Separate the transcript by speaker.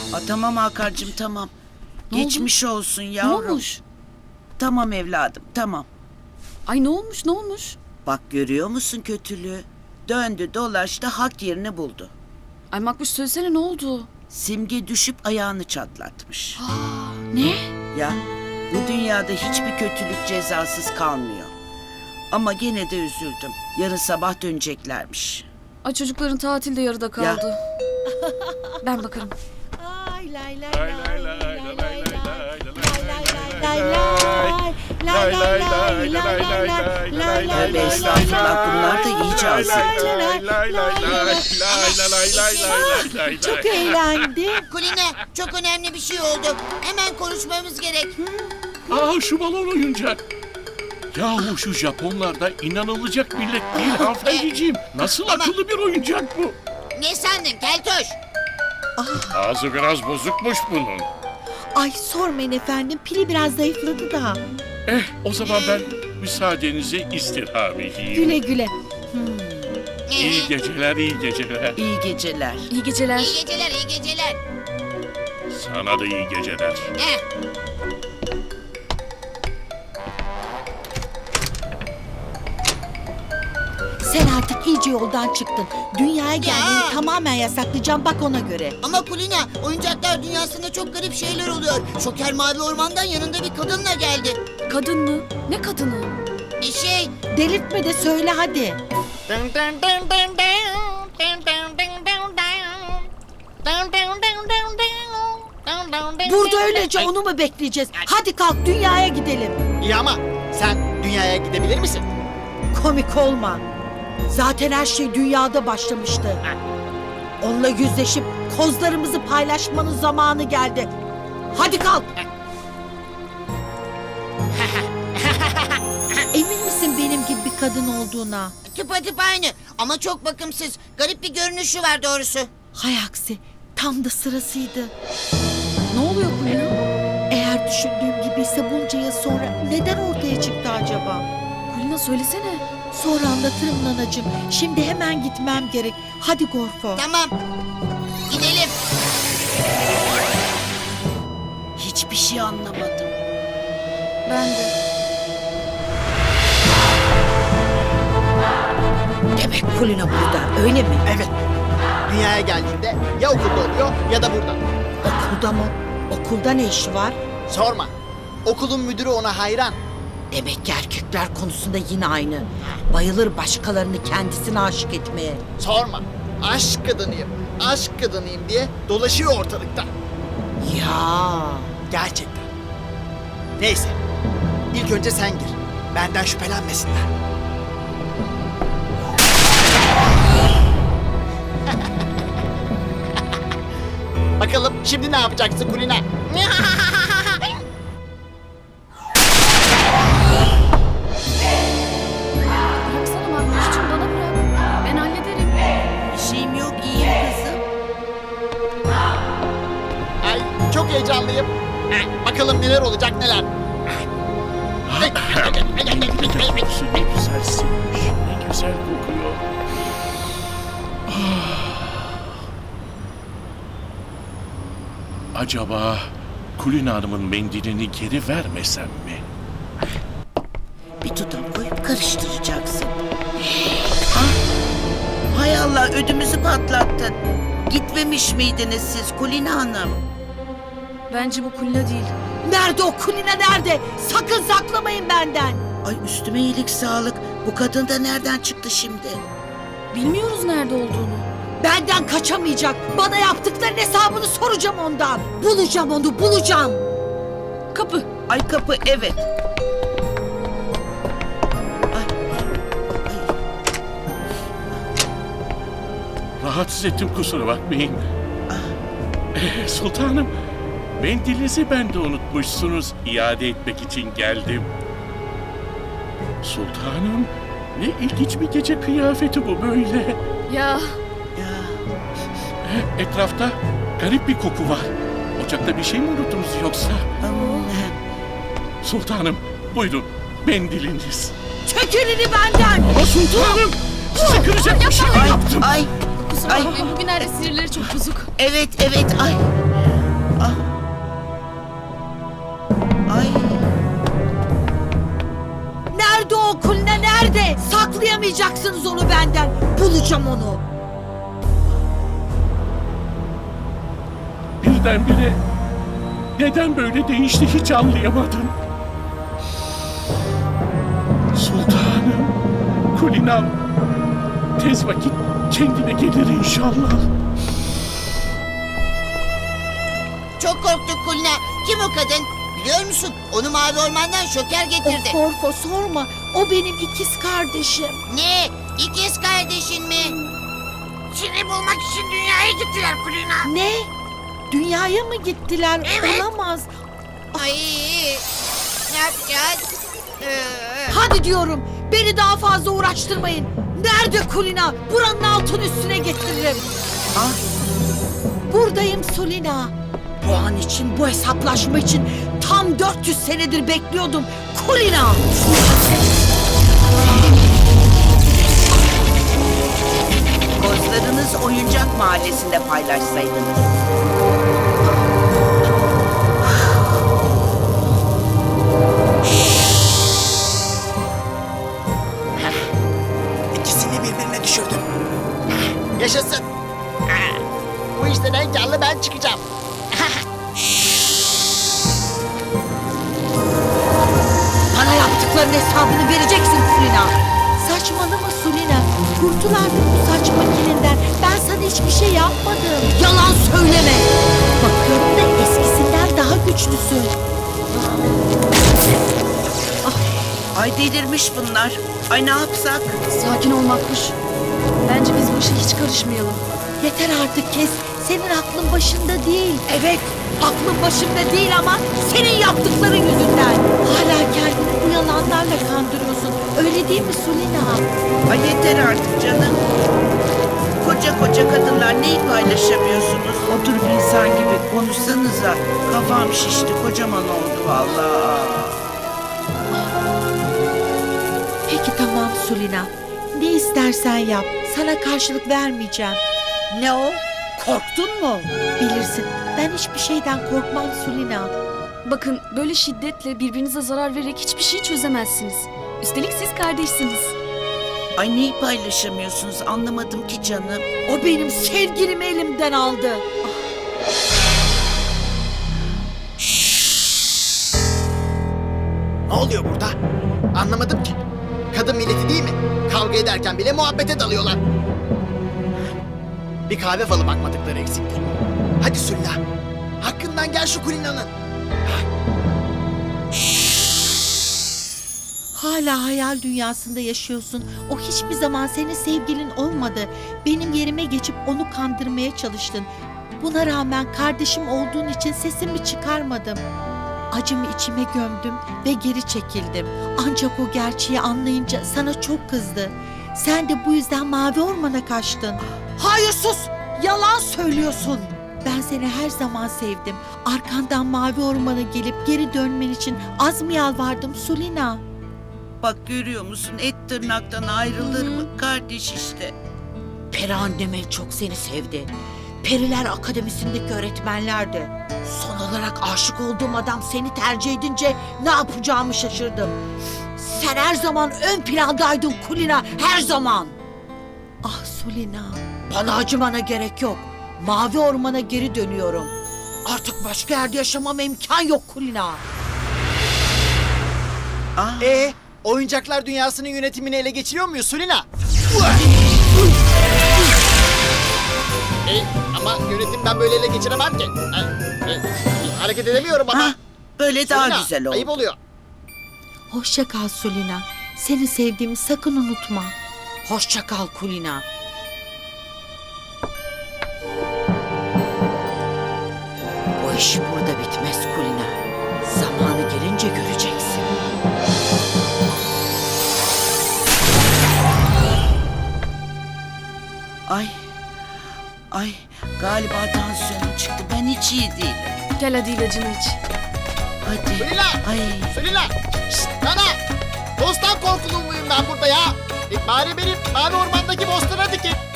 Speaker 1: Tamam Hakan'cığım tamam.
Speaker 2: Ne
Speaker 1: Geçmiş olsun yavrum.
Speaker 2: Ne olmuş?
Speaker 1: Tamam evladım tamam.
Speaker 2: Ay ne olmuş?
Speaker 1: Bak görüyor musun kötülüğü? Döndü dolaştı hak yerini buldu.
Speaker 2: Ay Makbuş söylesene ne oldu?
Speaker 1: Simge düşüp ayağını çatlatmış.
Speaker 2: Ne?
Speaker 1: Ya bu dünyada hiçbir kötülük cezasız kalmıyor. Ama gene de üzüldüm. Yarın sabah döneceklermiş.
Speaker 2: Ay çocukların tatil de yarıda kaldı. Ben bakarım.
Speaker 3: Ay lay lay
Speaker 4: Lay
Speaker 3: lay
Speaker 4: lay lay
Speaker 3: lay
Speaker 4: lay
Speaker 3: lay
Speaker 4: lay
Speaker 3: lay
Speaker 4: lay
Speaker 3: lay lay lay
Speaker 1: Tövbe estağfurullah bunlar da iyice azıttı.
Speaker 3: Çok eğlendim.
Speaker 5: Kulina, çok önemli bir şey oldu. Hemen konuşmamız gerek.
Speaker 4: Aa şu balon oyuncak. Yahu şu Japonlar da inanılacak millet değil hanımefendiciğim. Nasıl akıllı bir oyuncak bu?
Speaker 5: Ne sandın Keltoş?
Speaker 4: Ağzı biraz bozukmuş bunun.
Speaker 3: Ay sormayın efendim, pili biraz zayıfladı da.
Speaker 4: O zaman ben müsaadenizi istirham edeyim.
Speaker 3: Güle güle.
Speaker 4: İyi geceler, iyi geceler.
Speaker 1: İyi geceler.
Speaker 2: İyi geceler.
Speaker 5: İyi geceler, iyi geceler.
Speaker 4: Sana da iyi geceler.
Speaker 5: Heh.
Speaker 3: Sen artık iyice yoldan çıktın. Dünyaya gelmeni tamamen yasaklayacağım, bak ona göre.
Speaker 5: Ama Kulina, oyuncaklar dünyasında çok garip şeyler oluyor. Şoker Mavi Orman'dan yanında bir kadınla geldi.
Speaker 2: Kadın mı? Ne kadını?
Speaker 3: Delirtme de söyle hadi. Burada öylece onu mu bekleyeceğiz? Hadi kalk dünyaya gidelim.
Speaker 6: İyi ama sen dünyaya gidebilir misin?
Speaker 3: Komik olma. Zaten her şey dünyada başlamıştı. Onunla yüzleşip kozlarımızı paylaşmanın zamanı geldi. Hadi kalk. Emin misin benim gibi bir kadın olduğuna?
Speaker 5: Tıpatıp aynı ama çok bakımsız. Garip bir görünüşü var doğrusu.
Speaker 3: Hay aksi, tam da sırasıydı.
Speaker 2: Ne oluyor Kulina?
Speaker 3: Eğer düşündüğüm gibiyse bunca yıl sonra neden ortaya çıktı acaba?
Speaker 2: Kulina söylesene.
Speaker 3: Sonra anlatırım nanacığım. Şimdi hemen gitmem gerek. Hadi Gorfo.
Speaker 5: Tamam, gidelim.
Speaker 1: Hiçbir şey anlamadım.
Speaker 2: Ben de.
Speaker 3: Demek Kulina burada, öyle mi?
Speaker 6: Evet. Dünyaya geldiğinde ya okulda oluyor ya da burada.
Speaker 3: Okulda mı? Okulda ne işi var?
Speaker 6: Sorma. Okulun müdürü ona hayran.
Speaker 3: Demek ki erkekler konusunda yine aynı. Bayılır başkalarını kendisine aşık etmeye.
Speaker 6: Sorma. Aşk kadınıyım, aşk kadınıyım diye dolaşıyor ortalıkta.
Speaker 3: Ya.
Speaker 6: Gerçekten. Neyse. İlk önce sen gir. Benden şüphelenmesinler. Bakalım şimdi ne yapacaksın Kulina?
Speaker 2: Bıraksana Makbuş'cum bana bırak. Ben hallederim.
Speaker 1: Bir şeyim yok iyiyim kızım.
Speaker 6: Ay çok heyecanlıyım. Bakalım neler olacak neler.
Speaker 4: Ne güzelsinmiş, ne güzel kokuyor. Acaba Kulina Hanım'ın mendilini geri vermesem mi?
Speaker 1: Bir tutam koyup karıştıracaksın. Ah, hay Allah ödümüzü patlattın. Gitmemiş miydiniz siz Kulina Hanım?
Speaker 2: Bence bu Kulina değil.
Speaker 3: Nerede o Kulina nerede? Sakın saklamayın benden.
Speaker 1: Ay üstüme iyilik sağlık. Bu kadın da nereden çıktı şimdi?
Speaker 2: Bilmiyoruz nerede olduğunu.
Speaker 3: Benden kaçamayacak. Bana yaptıkların hesabını soracağım ondan. Bulacağım onu, bulacağım.
Speaker 2: Kapı.
Speaker 1: Ay kapı evet. Ay,
Speaker 4: Rahatsız ettim kusura bakmayın. Sultanım, mendilinizi ben de unutmuşsunuz. İade etmek için geldim. Sultanım, ne ilginç bir gece kıyafeti bu böyle.
Speaker 2: Ya
Speaker 1: ya.
Speaker 4: Etrafta garip bir koku var. Ocakta bir şey mi unuttunuz yoksa? Sultanım, buyurun mendiliniz.
Speaker 3: Çek elini benden.
Speaker 4: Ama sultanım, sizi kıracak bir şey
Speaker 1: Ay
Speaker 4: yaptım.
Speaker 1: ay.
Speaker 2: kusura
Speaker 1: Ay.
Speaker 2: bakmayın bugünlerde sinirleri çok bozuk.
Speaker 1: Evet evet ay.
Speaker 3: Nerede? Saklayamayacaksınız onu benden. Bulacağım onu.
Speaker 4: Birdenbire neden böyle değişti hiç anlayamadım. Sultanım, Kulinam, tez vakit kendine gelir inşallah.
Speaker 5: Çok korktuk Kulina. Kim o kadın? Biliyor musun? Onu Mavi Orman'dan Şoker getirdi.
Speaker 3: Of Korko sorma. O benim ikiz kardeşim.
Speaker 5: Ne? İkiz kardeşin mi? Seni bulmak için dünyaya gittiler Kulina.
Speaker 3: Ne? Dünyaya mı gittiler?
Speaker 5: Evet.
Speaker 3: Olamaz.
Speaker 5: Ay, ne yapacağız?
Speaker 3: Hadi diyorum. Beni daha fazla uğraştırmayın. Nerede Kulina? Buranın altın üstüne getiririm.
Speaker 1: Ah,
Speaker 3: Buradayım Sulina. Bu an için, bu hesaplaşma için tam 400 senedir bekliyordum. Kulina!
Speaker 1: kozlarınız oyuncak mahallesinde paylaşsaydınız.
Speaker 6: İkisini birbirine düşürdüm. Yaşasın. Bu işten en karlı ben çıkacağım.
Speaker 3: Bana yaptıkların hesabını vereceksin Sulina. Saçmalama Sulina. Kurtul artık bu saç makinenden. Ben sana hiçbir şey yapmadım. Yalan söyleme. Bakıyorum da eskisinden daha güçlüsün.
Speaker 1: Ay delirmiş bunlar. Ay ne yapsak?
Speaker 2: Sakin ol Makbuş. Bence biz bu işe hiç karışmayalım.
Speaker 3: Yeter artık kes. Senin aklın başında değil. Evet, aklın başında değil ama senin yaptıkların yüzünden. Hala kendini bu yalanlarla kandırıyorsun. Öyle değil mi Sulina?
Speaker 1: Ay yeter artık canım. Koca koca kadınlar neyi paylaşamıyorsunuz? Oturup insan gibi konuşsanıza. Kafam şişti, kocaman oldu vallahi.
Speaker 3: Peki tamam Sulina. Ne istersen yap. Sana karşılık vermeyeceğim. Ne o? Korktun mu? Bilirsin. Ben hiçbir şeyden korkmam Sulina.
Speaker 2: Bakın böyle şiddetle birbirinize zarar vererek hiçbir şey çözemezsiniz. Üstelik siz kardeşsiniz.
Speaker 1: Ay neyi paylaşamıyorsunuz anlamadım ki canım.
Speaker 3: O benim sevgilimi elimden aldı.
Speaker 6: Ne oluyor burada? Anlamadım ki. Kadın milleti değil mi? Kavga ederken bile muhabbete dalıyorlar. Bir kahve falı bakmadıkları eksikti. Hadi Sülla. Hakkından gel şu Kulina'nın.
Speaker 3: Hala hayal dünyasında yaşıyorsun. O hiçbir zaman senin sevgilin olmadı. Benim yerime geçip onu kandırmaya çalıştın. Buna rağmen kardeşim olduğun için sesimi çıkarmadım. Acımı içime gömdüm ve geri çekildim. Ancak o gerçeği anlayınca sana çok kızdı. Sen de bu yüzden Mavi Orman'a kaçtın. Hayır sus! Yalan söylüyorsun. Ben seni her zaman sevdim. Arkandan Mavi Orman'a gelip geri dönmen için az mı yalvardım Sulina?
Speaker 1: Bak görüyor musun et tırnaktan ayrılır mı? Kardeş işte.
Speaker 3: Peri annem en çok seni sevdi. Periler Akademisi'ndeki öğretmenler de. Son olarak aşık olduğum adam seni tercih edince ne yapacağımı şaşırdım. Sen her zaman ön plandaydın Kulina, her zaman. Ah Sulina, bana acımana gerek yok. Mavi Orman'a geri dönüyorum. Artık başka yerde yaşamama imkan yok Kulina.
Speaker 1: Ah,
Speaker 6: Oyuncaklar dünyasının yönetimini ele geçiriyor muyuz Sulina? Ama yönetimden böyle ele geçiremem ki. Hareket edemiyorum ama.
Speaker 1: ha, böyle daha
Speaker 6: Sulina,
Speaker 1: güzel oldu.
Speaker 6: ayıp oluyor.
Speaker 3: Hoşça kal Sulina. Seni sevdiğimi sakın unutma. Hoşça kal Kulina. Bu iş burada bitmez Kulina. Zamanı gelince göreceksin.
Speaker 1: Ay galiba tansiyonum çıktı. Ben hiç iyi değilim.
Speaker 2: Gel hadi ilacını iç.
Speaker 1: Hadi.
Speaker 6: Sulina!
Speaker 1: Ay.
Speaker 6: Sulina! Şşt, Nana! Bostan korkulu muyum ben burada ya? Bari benim Mavi Orman'daki bostana dikin.